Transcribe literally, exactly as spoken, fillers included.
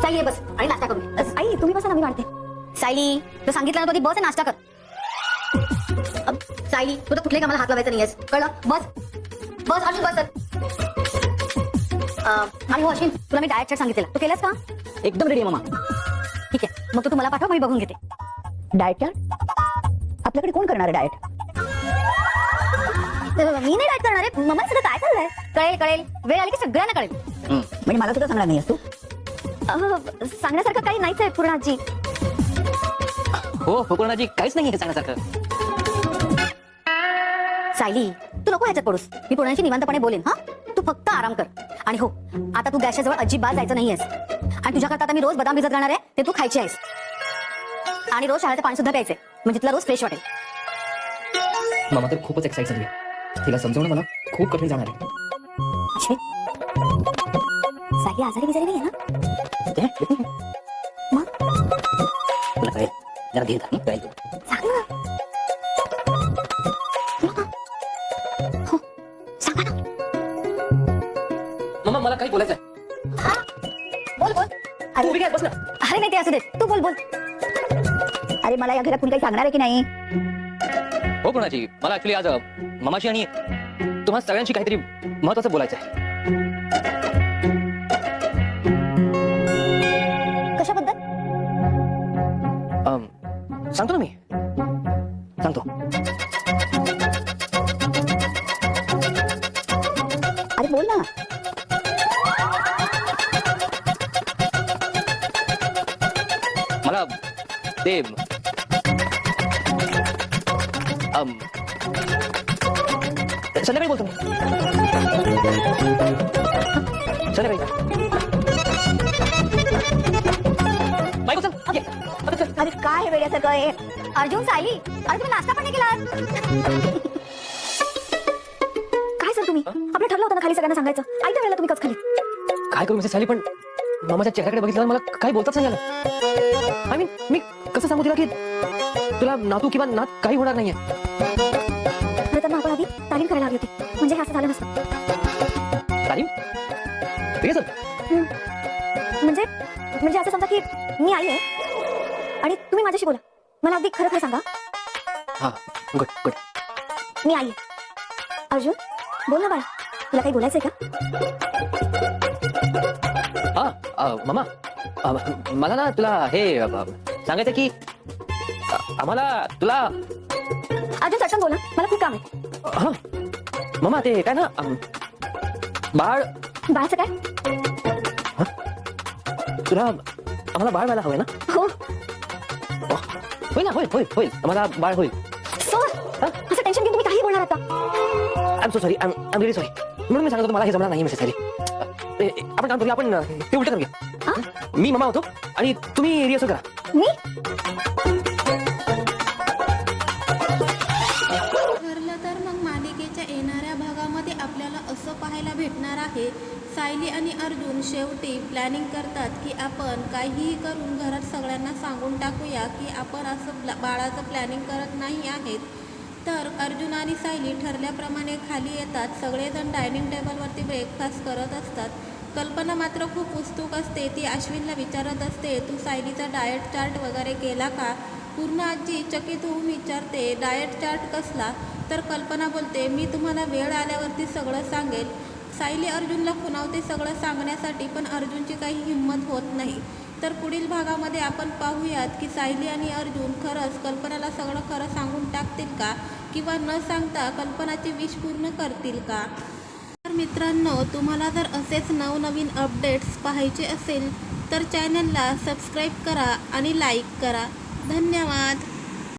सायली बस आणि नाश्ता करू. आई तुम्ही बसा ना, मी मांडते. सायली तू सांगितलं ना, तो बस नाश्ता कर. सायली तू तर कुठल्याही कामाला हात लावायचा नाहीयेस, कळलं? बस बस अर्जुन बस. आणि हो अश्विन, तुला मी डाएट चार्ट सांगितलेला, तू केलंस का? एकदम रेडी आहे मामा. ठीक आहे, मग तू तुम्हाला पाठव, मी बघून घेते. डाएट चार्ट आपल्याकडे कोण करणार आहे डाएट? मी नाही डाएट करणार आहे. मम्मा सगळं काय चाललंय कळेल कळेल वेळ आली की सगळ्यांना कळेल. म्हणजे मला सुद्धा सांगणार नाहीस तू? सांगण्यासारखं काही नाहीच आहे पूर्णाजी. हो पूर्णाजी, काहीच नाही सांगण्यासारखं. सायली तू नको ह्याच्यात पडूस, मी पूर्णाची निवांतपणे बोलेन. हा तू फक्त आराम कर. आणि हो आता तू गॅसच्या जवळ अजिबात जायचं नाहीयेस. आणि तुझ्याकरता आता मी रोज बदाम भिजत घालणार आहे, ते तू खायचे आहेस. आणि रोज शाळेचं पाणी सुद्धा प्यायचंय, म्हणजे तुला रोज फ्रेश वाटेल. मामा तर खूपच एक्साइट झाली. तिला समजवणं मला खूप कठीण जाणार आहे. अश्विन सायली आजारी बिजारी नाही आहे ना? मग तुला कळेल, जरा धीर धर. कळेल सांग ना. हो सांगा ना. मामा मला काही बोलायचं आहे. बोल बोल. तू उभी काय, बस ना. अरे नाही ते असू दे, तू बोल बोल. अरे मला या घरात कुणी काही सांगणार आहे की नाही? हो पूर्णाजी, मला ऍक्च्युली आज मामाशी आणि तुम्हा सगळ्यांशी काहीतरी महत्वाचं बोलायचं आहे. कशाबद्दल? अम, सांगतो ना मी, सांगतो. अरे बोल ना. मला ते अम, संध्याकाळी बोलतो मी. संध्याकाळी बायको चल, ये. आता चल. अरे काय वेड्यासारखं आहे. अर्जुन सायली, अरे तुम्ही नाश्ता पण नाही केला. काय सर तुम्ही आपलं ठरलं होतं ना खाली सगळ्यांना सांगायचं, आयत्या वेळेला तुम्ही कच खाली. काय करू मिसेस साली, पण मामाच्या चेहऱ्याकडे बघितलं मला काही बोलताच नाही आलं. आय मीन मी कसं सांगू तिला की तुला नातू किंवा नात काही होणार नाहीये. खरं तर मग आपण आधी तालीम करायला हवी होती, म्हणजे हे असं झालं नसतं. तालीम? ठीक आहे सर. म्हणजे म्हणजे असं समजा की मी आई आहे आणि तुम्ही माझ्याशी बोला. मला अगदी खरं खरं सांगा. हा गुड गुड. मी आई आहे. अर्जुन बोल ना बाळा, तुला काही बोलायचंय का? हा अ, मामा अ, मला ना तुला हे अ, सांगायचं की अ, आम्हाला तुला अर्जुन चटकन बोला, मला खूप काम आहे. हा मामा ते काय ना अम, बाळ बाळाचं काय? तुला आम्हाला बाळ व्हायला हवंय ना? हो होईल ना, होईल होईल होईल आम्हाला बाळ होईल. सर असं टेन्शन घेऊन तुम्ही काही बोलणार आता? I am so sorry, I am really sorry. म्हणून मी सांगत होतो मला हे जमणार नाही मिसेस साली. आपण काम करूया, आपण ते उलट करूया. मी मामा होतो आणि तुम्ही रिहर्सल करा. मी ठरलं तर मग मालिकेच्या येणाऱ्या भागामध्ये आपल्याला असं पाहायला भेटणार आहे, सायली आणि अर्जुन शेवटी प्लॅनिंग करतात की आपण काहीही करून घरात सगळ्यांना सांगून टाकूया की आपण असं बाळाचं प्लॅनिंग करत नाही आहेत. तर अर्जुन आणि सायली ठरल्याप्रमाणे खाली येतात. सगळेजण डायनिंग टेबलवरती ब्रेकफास्ट करत असतात. कल्पना मात्र खूप उत्सुक असते. ती अश्विनला विचारत असते, तू सायलीचा डाएट चार्ट वगैरे केला का? पूर्ण आजी चकित होऊन विचारते, डाएट चार्ट कसला? तर कल्पना बोलते, मी तुम्हाला वेळ आल्यावरती सगळं सांगेल. सायली अर्जुनला खुणावते सगळं सांगण्यासाठी, पण अर्जुनची काही हिंमत होत नाही. तर पुढील भागामध्ये आपण पाहूयात की सायली आणि अर्जुन खरंच कल्पनाला सगळं खरं सांगून टाकतील का, किंवा न सांगता कल्पनाची विश पूर्ण करतील का? तर मित्रांनो, तुम्हाला जर असेच नवनवीन अपडेट्स पाहायचे असेल तर चॅनलला सबस्क्राईब करा आणि लाईक करा. धन्यवाद.